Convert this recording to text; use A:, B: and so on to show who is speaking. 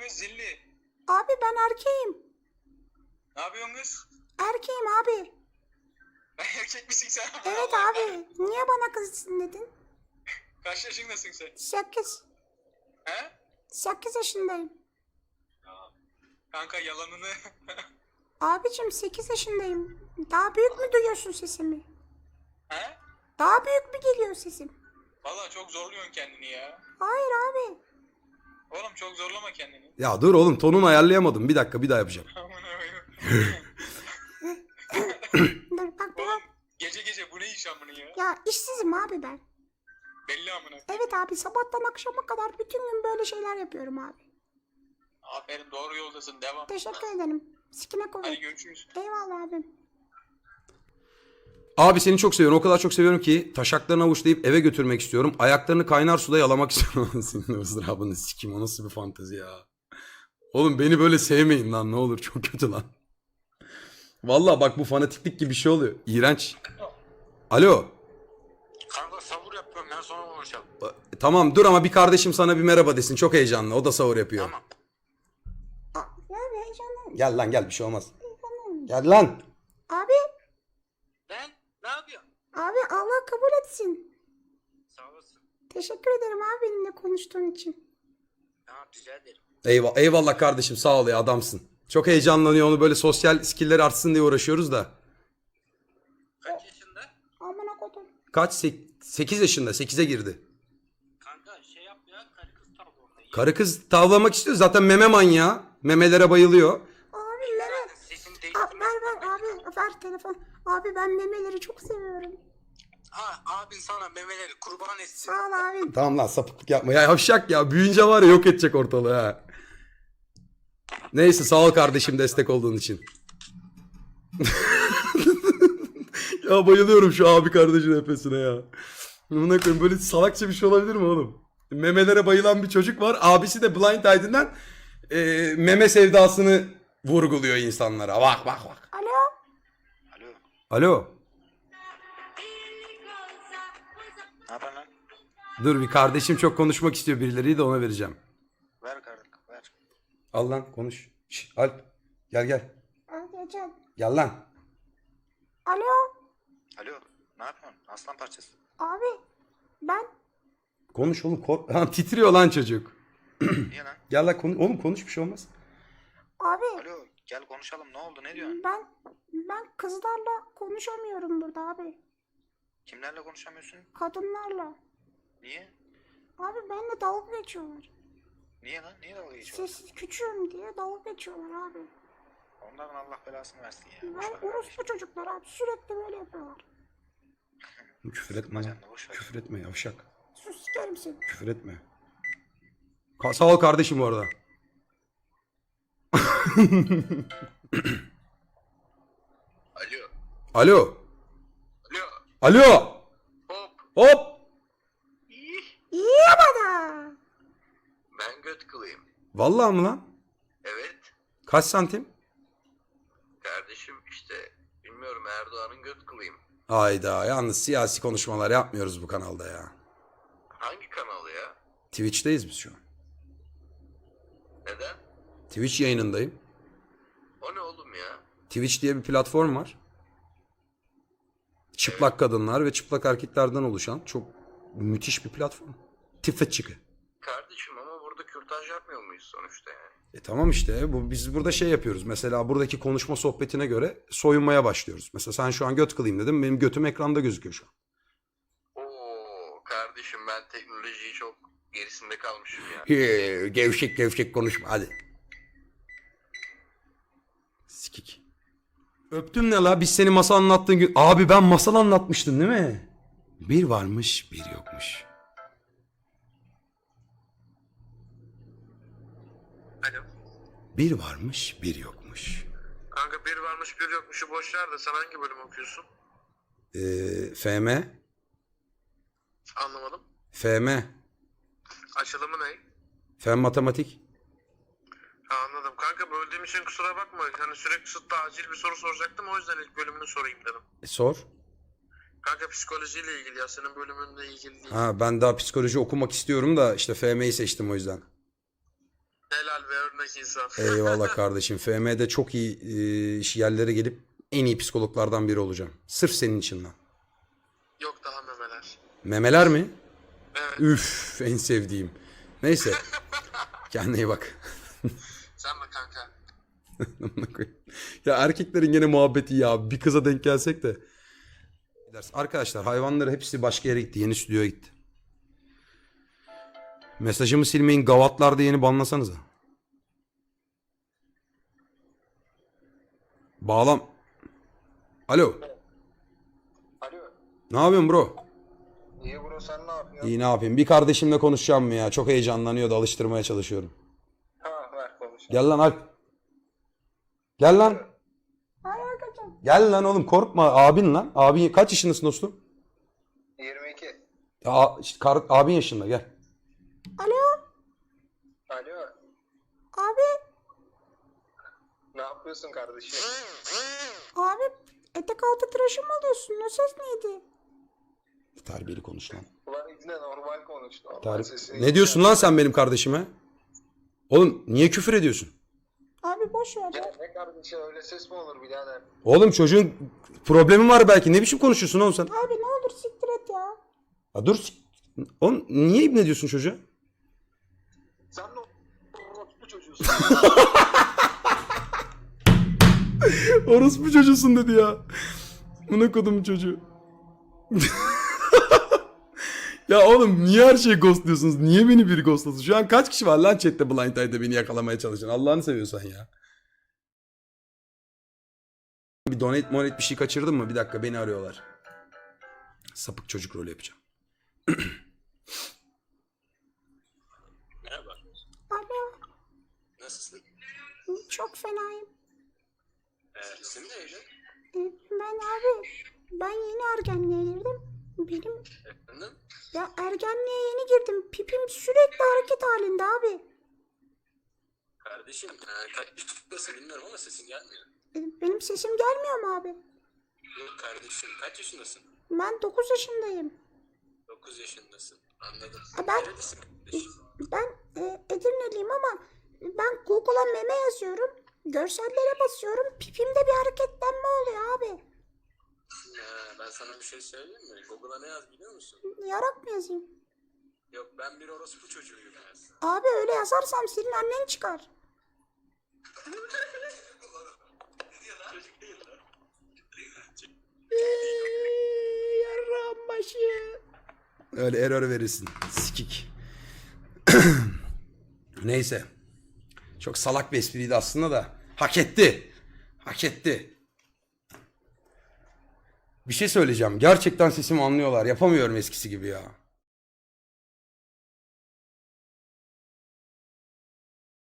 A: kız zilli?
B: Abi ben erkeğim.
A: Ne yapıyorsun kız?
B: Erkeğim abi.
A: Erkek misin sen?
B: Evet
A: Allah
B: abi. Niye bana kızsın dedin?
A: Kaç yaşındasın sen?
B: 8.
A: He?
B: 8 yaşındayım.
A: Kanka yalanını.
B: Abicim 8 yaşındayım. Daha büyük mü duyuyorsun sesimi?
A: He?
B: Daha büyük mü geliyor sesim?
A: Valla çok zorluyorsun kendini ya.
B: Hayır abi.
A: Oğlum çok zorlama kendini.
C: Ya dur oğlum, tonunu ayarlayamadım. Bir dakika, bir daha yapacağım.
A: Amına koyayım.
B: Dur bak
A: Oğlum
B: bak.
A: gece gece bu ne iş amına ya?
B: Ya işsizim abi ben.
A: Belli amına.
B: Evet abi sabahtan akşama kadar bütün gün böyle şeyler yapıyorum abi.
A: Aferin doğru yoldasın devam.
B: Teşekkür ederim. Sikine
A: Hadi
B: kuvvet.
A: görüşürüz.
B: Eyvallah abim.
C: Abi seni çok seviyorum. O kadar çok seviyorum ki taşaklarını avuçlayıp eve götürmek istiyorum. Ayaklarını kaynar suda yalamak istiyorum. Senin ızdırabını sikim. O nasıl bir fantezi ya. Oğlum beni böyle sevmeyin lan, ne olur, çok kötü lan. Vallahi bak, bu fanatiklik gibi bir şey oluyor. İğrenç. Alo.
D: Kanka savur yapıyorum ya, sonra konuşalım.
C: Tamam dur ama bir kardeşim sana bir merhaba desin. Çok heyecanlı. O da sahur yapıyor.
D: Tamam.
B: Ya bir heyecanlıyım.
C: Gel lan gel, bir şey olmaz.
B: Heyecanlıyım.
C: Gel lan.
B: Abi.
D: Ben ne yapıyorsun?
B: Abi Allah kabul etsin.
D: Sağ olasın.
B: Teşekkür ederim abi benimle konuştuğun için.
D: Tamam, rica ederim.
C: Eyvallah kardeşim, sağ ol ya, adamsın. Çok heyecanlanıyor, onu böyle sosyal skill'leri artsın diye uğraşıyoruz da.
D: Kaç yaşında?
B: Amına kodum.
C: Kaç? 8 yaşında. 8'e girdi.
D: Kanka şey yap ya, karı kız tavla orada.
C: Karı kız tavlamak istiyor. Zaten meme manyağı. Memelere bayılıyor.
B: Abi meme.
D: Sesini
B: Ver
D: değiştirme.
B: ver abi ver telefon. Abi ben memeleri çok seviyorum.
D: Ha, abin sana memeleri kurban etsin.
B: Sağ ol abi.
C: Tamam lan, sapıklık yapma. Ya yavşak ya. Büyüyünce var ya, yok edecek ortalığı ha. Neyse, sağ ol kardeşim destek olduğun için. Ya bayılıyorum şu abi kardeşin nefesine ya. Buna koyayım, böyle salakça bir şey olabilir mi oğlum? Memelere bayılan bir çocuk var. Abisi de Blind Item'den meme sevdasını vurguluyor insanlara. Bak bak bak.
B: Alo.
D: Alo,
C: Alo.
D: ne yapıyorsun lan?
C: Dur, bir kardeşim çok konuşmak istiyor birileriyle de ona vereceğim.
D: Ver kardeşim, ver.
C: Al lan konuş. Şş, Alp gel gel.
B: Abi Can.
C: Gel lan.
B: Alo.
D: Alo, ne yapıyorsun? Aslan parçası.
B: Abi ben
C: Konuş oğlum. Ha, titriyor lan çocuk.
D: Niye lan?
C: Gel lan konuş. Oğlum konuş, bir şey olmaz.
B: abi
D: Alo, gel konuşalım, ne oldu, ne diyorsun?
B: ben kızlarla konuşamıyorum burada abi.
D: Kimlerle konuşamıyorsun?
B: Kadınlarla.
D: Niye?
B: Abi benimle dalga geçiyorlar.
D: Niye lan? Niye dalga geçiyorsun?
B: Sessiz küçüğüm diye dalga geçiyorlar abi.
D: Onların Allah belasını versin ya. Boş
B: Ben
D: ver kardeşim.
B: orospu çocuklar abi sürekli böyle yapıyorlar.
C: Küfür etme lan.
D: Canını boş ver.
C: Küfür etme yavşak.
B: Sus sikerim seni.
C: Küfür etme. Sağ ol kardeşim bu arada.
A: Alo.
C: Alo.
A: Alo.
C: Alo.
A: Hop.
C: Hop.
B: İyi bana.
A: Ben göt kılayım.
C: Vallahi mı lan?
A: Evet.
C: Kaç santim?
A: Kardeşim işte bilmiyorum Erdoğan'ın göt kılayım.
C: Hayda, yalnız siyasi konuşmalar yapmıyoruz bu kanalda ya.
A: Hangi kanalı ya?
C: Twitch'teyiz biz şu an.
A: Neden?
C: Twitch yayınındayım.
A: O ne oğlum ya?
C: Twitch diye bir platform var. Çıplak kadınlar ve çıplak erkeklerden oluşan çok müthiş bir platform. Twitch.
A: Kardeşim ama burada kürtaj yapmıyor muyuz sonuçta yani?
C: Tamam işte, biz burada şey yapıyoruz. Mesela buradaki konuşma sohbetine göre soyunmaya başlıyoruz. Mesela sen şu an göt kılayım dedim. Benim götüm ekranda gözüküyor şu an.
A: Oo kardeşim ben teknolojiyi çok gerisinde kalmışım ya.
C: Gevşek gevşek konuşma hadi. Sikik. Öptüm ne la? Biz seni masal anlattığın gün... Abi ben masal anlatmıştım değil mi? Bir varmış bir yokmuş.
A: Alo.
C: Bir varmış bir yokmuş.
A: Kanka bir varmış bir yokmuşu boş ver de sen hangi bölüm okuyorsun?
C: FM.
A: Anlamadım.
C: FM.
A: Açılımı ne?
C: Fen matematik.
A: Ha, anladım. Kanka böldüğüm için kusura bakma. Hani sürekli kısıtlı acil bir soru soracaktım. O yüzden ilk bölümünü sorayım dedim.
C: Sor.
A: Kanka psikolojiyle ilgili ya. Senin bölümünle ilgili değil.
C: Ha, ben daha psikoloji okumak istiyorum da işte FM'yi seçtim o yüzden.
A: Helal ve örnek insan.
C: Eyvallah kardeşim. FM'de çok iyi yerlere gelip en iyi psikologlardan biri olacağım. Sırf senin için lan.
A: Yok daha memeler.
C: Memeler mi?
A: Evet.
C: Üf, en sevdiğim. Neyse. Kendine iyi bak.
A: Sen mi kanka?
C: Ya erkeklerin gene muhabbeti ya. Bir kıza denk gelsek de. Arkadaşlar hayvanları hepsi başka yere gitti. Yeni stüdyoya gitti. Mesajımı silmeyin. Gavatlar diye yeni banlasanıza. Bağlam. Alo.
D: Alo.
C: Ne yapıyorsun bro?
D: İyi bro, sen ne yapıyorsun?
C: İyi ne yapayım? Bir kardeşimle konuşacağım mı ya? Çok heyecanlanıyor da alıştırmaya çalışıyorum.
D: Ha, ver konuş.
C: Gel lan Alp. Gel lan.
B: Hay Agacım.
C: Gel lan oğlum korkma. Abin lan. Abin kaç yaşındasın dostum?
D: 22.
C: Ya, işte abin yaşında gel.
B: Alo
D: Alo.
B: abi.
D: Ne yapıyorsun kardeşim?
B: Abi etek altı tıraşı mı oluyorsun? O ses neydi?
C: Terbiyeli konuş lan.
D: Ulan İbne normal konuş. Normal sesini
C: Ne diyorsun lan sen benim kardeşime? Oğlum niye küfür ediyorsun?
B: Abi boş ver.
D: Ya ne kardeşi, öyle ses mi olur birader?
C: Oğlum çocuğun problemi var belki. Ne biçim konuşuyorsun oğlum sen?
B: Abi ne olur siktir et ya.
C: Ya dur. Oğlum niye ibne diyorsun çocuğa?
D: Sen ne orospu çocuğusun?
C: Orospu çocuğusun dedi ya. Buna kodum çocuğu. Ya oğlum niye her şeyi ghostluyorsunuz? Niye beni biri ghostlasın? Şu an kaç kişi var lan chatte Blind Side'de beni yakalamaya çalışan? Allah'ını seviyorsan ya. Bir donate bir şey kaçırdın mı? Bir dakika beni arıyorlar. Sapık çocuk rolü yapacağım.
D: Merhaba.
B: Alo
D: Nasılsın?
B: çok fenayım.
D: İsim neydi?
B: Ben abi ben yeni ergenliğe girdim. Benim
D: Efendim?
B: ya ergenliğe yeni girdim. Pipim sürekli hareket halinde abi.
D: Kardeşim kaç yaşındasın bilmiyorum ama sesin gelmiyor.
B: Benim sesim gelmiyor mu abi?
D: Yok kardeşim, kaç yaşındasın?
B: Ben 9 yaşındayım.
D: 9 yaşındasın. Anladım.
B: Ben-
D: Nerelisin kardeşim?
B: Ben Edirneliyim ama ben Google'a meme yazıyorum. Görsellere basıyorum. Pipimde bir hareketlenme oluyor abi.
D: Ben sana bir şey söyleyeyim mi? Google'a ne yaz biliyor musun?
B: Yarak mı yazayım?
D: Yok, ben bir orospu çocuğuyum yaz.
B: Abi öyle yazarsam senin annen çıkar.
D: Çocuk değil lan.
B: Yarram başı.
C: Öyle error verirsin. Sikik. Neyse. Çok salak bir espriydi aslında da. Hak etti. Hak etti. Bir şey söyleyeceğim. Gerçekten sesimi anlıyorlar. Yapamıyorum eskisi gibi ya.